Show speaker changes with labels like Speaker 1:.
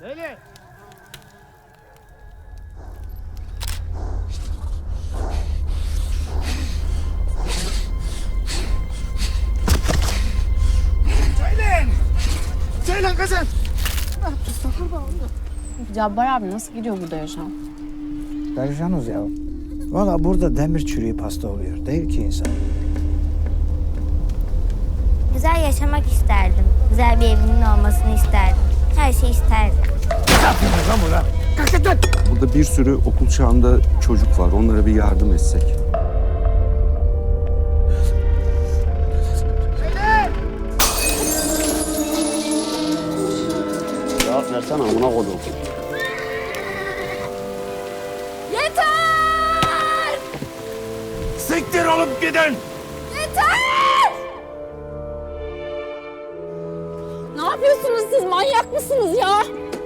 Speaker 1: Söyle. Söylen kızım. Ne yapıyorsun kurban olayım?
Speaker 2: Cabbar abi nasıl gidiyor burada yaşam?
Speaker 3: Perişanız ya. Valla burada demir çürüyüp hasta oluyor. Değil ki insan.
Speaker 4: Güzel yaşamak isterdim. Güzel bir evimin olmasını isterdim. Her şeyi isterdim.
Speaker 1: Ne yapıyorsun lan burada? Kalk git lan.
Speaker 5: Burada bir sürü okul çağında çocuk var. Onlara bir yardım etsek.
Speaker 6: Cevap versene amına koydum.
Speaker 4: Yeter!
Speaker 1: Siktir olup gidin.
Speaker 4: Yeter!
Speaker 2: Ne yapıyorsunuz siz? Manyak mısınız ya?